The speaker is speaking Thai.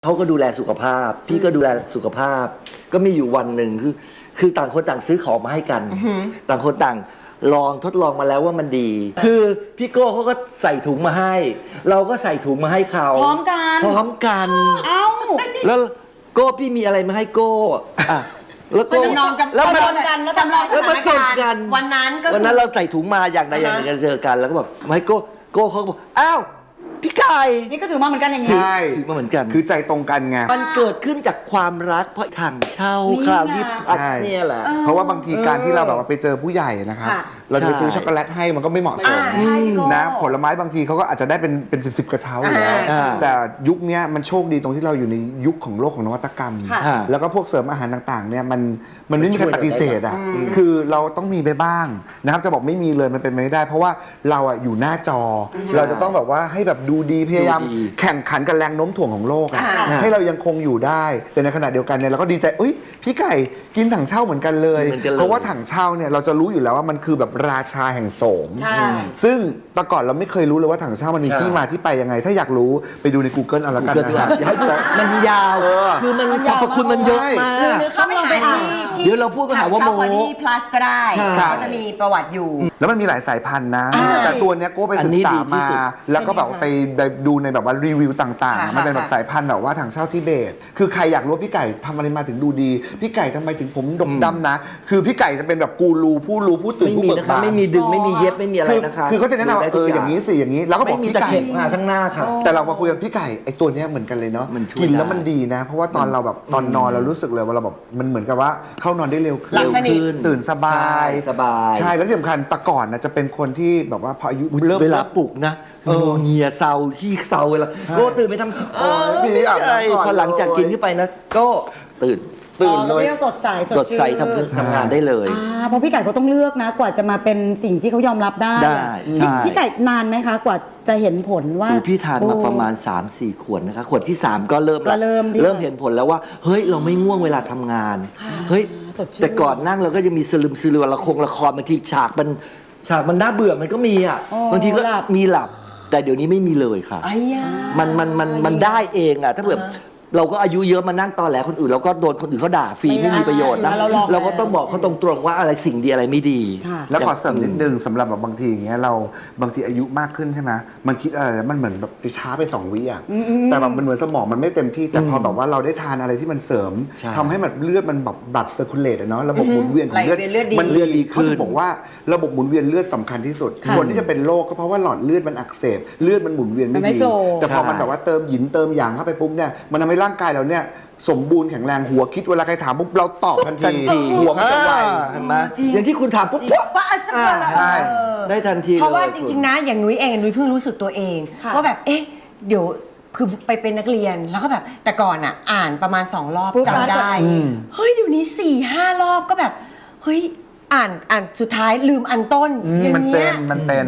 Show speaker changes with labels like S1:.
S1: เขาก็ดูแลสุขภาพพี่ก็ดูแลสุขภาพก็มีอยู่วันหนึ่งคือต่างคนต่างซื้อของมาให้กันต่างคนต่างทดลองมาแล้วว่ามันดี คือพี่โก้เขาก็ใส่ถุงมาให้ เราก็ใส่ถุงมาให้เขา
S2: พร้อมกัน
S1: เอ้าแล้วโก้พี่มีอะไรมาให้โก้อ่ะแล้วก็
S2: แล้วมันกันแล้วจำลองสถานการณ์วันนั้น
S1: เราใส่ถุงมาอย่างใดอย่างหนึ่งเจอกันแล้วก็บอกมาให้โก้เขาบอกอ้าวพี่ไก่
S2: นี่ก็ถือมาเหมือนกันอย่างนี้
S3: ใช่
S1: ถือมาเหมือนกัน
S3: คือใจตรงกันไง
S1: มันเกิดขึ้นจากความรักเพราะถังเช่าคราวที่เนี่ยแหละ
S3: เพราะว่าบางทีการที่เราแบบว่าไปเจอผู้ใหญ่นะครับเราจะไปซื้อช็อกโกแลตให้มันก็ไม่เหมาะสมนะผลไม้บางทีเขาก็อาจจะได้เป็นสิบกระเช้าอยู่แล้วแต่ยุคนี้มันโชคดีตรงที่เราอยู่ในยุคของโลกของนวัตกรรมแล้วก็พวกเสริมอาหารต่างๆเนี่ยมันไม่มีใครปฏิเสธอ่ะคือเราต้องมีไปบ้างนะครับจะบอกไม่มีเลยมันเป็นไม่ได้เพราะว่าเราอ่ะอยู่หน้าจอเราจะต้องแบบว่าให้แบบดูดีพยายามแข่งขันกับแรงโน้มถ่วงของโลกให้เรายังคงอยู่ได้แต่ในขณะเดียวกันเนี่ยเราก็ดีใจอุ้ยพี่ไก่กินถังเช่าเหมือนกันเลยเพราะว่าถังเช่าเนี่ยเราจะรู้อยู่แล้วว่ามันคือแบบราชาแห่งโสมซึ่งแต่ก่อนเราไม่เคยรู้เลยว่าถังเช่ามันมีที่มาที่ไปยังไงถ้าอยากรู้ไปดูใน Google เอาละกันนะครับ
S1: มันยาวคือมันสรรพคุณมันเยอะมาก
S2: หรือเข้าไปหาที่
S1: เดี๋ยวเราพูดก็หาว่าโม
S2: plus ก็ได้เขาจะมีประวัติอยู่
S3: แล้วมันมีหลายสายพันธุ์นะแต่ตัวเนี้ยโก้ไปศึกษามาแล้วก็แบบไปดูในแบบว่ารีวิวต่างๆมันเป็นแบบสายพันธุ์แบบว่าถังเช่าทิเบตคือใครอยากรู้พี่ไก่ทำอะไรมาถึงดูดีพี่ไก่ทำไมถึงผมดกดำนะคือพี่ไก่จะเป็นแบบกูรูผู้รู้ผู้ตื่นผู้เบิกบาน
S1: ไม่มีดึงไม่มีเย็บไม่มีอะไรนะคะ
S3: คือเขาจะแนะนำอย่างนี้สิอย่างนี้แล้วก็บอกพี่ไก่
S1: มาทั้งหน้าค่ะ
S3: แต่เรามาคุยกับพี่ไก่ไอ้ตัวเนี้ยเหมือนกันเลยเนาะกินแล้วมันดีนะเพราะว่าตอนเราแบบตอนนอนเรารู้สึกเลยว่าเราแบบมันเหมือนกับว่าเข้านอนได้เร็วขึ้นตื่นสบายใช่แล้วที่สำคัญแต่ก่อนนะจะเป็นคนที่แบบว่าพออายุเริ่ม
S1: เวลาปลุกนะเงียเซาขี้เซาเวลาก็ตื่นไปทำ
S3: พี่อาบน้ำก่อน
S1: พอหลังจากกินขึ้นไปนะก็ตื่น
S2: เลยสดใส
S1: ทำงานได้เลย
S4: เพราะพี่ไก่เขาต้องเลือกนะกว่าจะมาเป็นสิ่งที่เขายอมรับได้พี่ไก่นานไหมคะกว่าจะเห็นผลว่า
S1: พี่ทานมาประมาณ 3-4 ขวดนะคะขวดที่3ก็เริ่มเห็นผลแล้วว่าเฮ้ยเราไม่ง่วงเวลาทำงานเฮ้ยแต่ก่อนนั่งเราก็จะมีสลืมละครบางทีฉากมันน่าเบื่อมันก็มีอ่ะบางทีก็มีหลับแต่เดี๋ยวนี้ไม่มีเลยค่ะมันได้เองอ่ะถ้าแบบเราก็อายุเยอะมานั่งตอแหลคนอื่นเราก็โดนคนอื่นเขาด่าฟรีไม่มีประโยชน์นะเราก็ต้องบอกเขาตรงๆว่าอะไรสิ่งดีอะไรไม่ดี
S3: แล้วขอเสริมนิดนึงสำหรับแบบบางทีอย่างเงี้ยเราบางทีอายุมากขึ้นใช่ไหมมันคิดอะไรมันเหมือนแบบไปช้าไป2 วิอ่ะแต่แบบมันเหมือนสมองมันไม่เต็มที่แต่พอแบบว่าเราได้ทานอะไรที่มันเสริมทำให้แบบเลือดมันแบบบัตรเซอร์คูลเลตเนาะระบบหมุนเวียนของเลือดมันเลือดดีขึ้นเขาบอกว่าระบบหมุนเวียนเลือดสำคัญที่สุดคนที่จะเป็นโรคก็เพราะว่าหลอดเลือดมันอักเสบเลือดมันหมุนเวียนไม่ดีแต่พอมันแบบว่าเติมหยินเติมหยางเข้าไปปุ๊บเนี่ยมันทำให้ร่างกายเราเนี่ยสมบูรณ์แข็งแรงหัวคิดเวลาใครถามปุ๊บเราตอบทันทีหัวมันจะไว
S1: เห็นไหมอย่างที่คุณถามปุ๊บ
S3: ใช่
S1: ได้ทันที
S2: เพราะว่าจริงๆนะอย่างนุ้ยเองนุ้ยเพิ่งรู้สึกตัวเองว่าแบบเดี๋ยวคือไปเป็นนักเรียนแล้วก็แบบแต่ก่อนอ่ะอ่านประมาณ2 รอบจำได้เฮ้ยเดี๋ยวนี้4-5 รอบก็แบบเฮ้ยอ่านสุดท้ายลืมอันต้นอย่างเงี้ย
S3: มันเป็น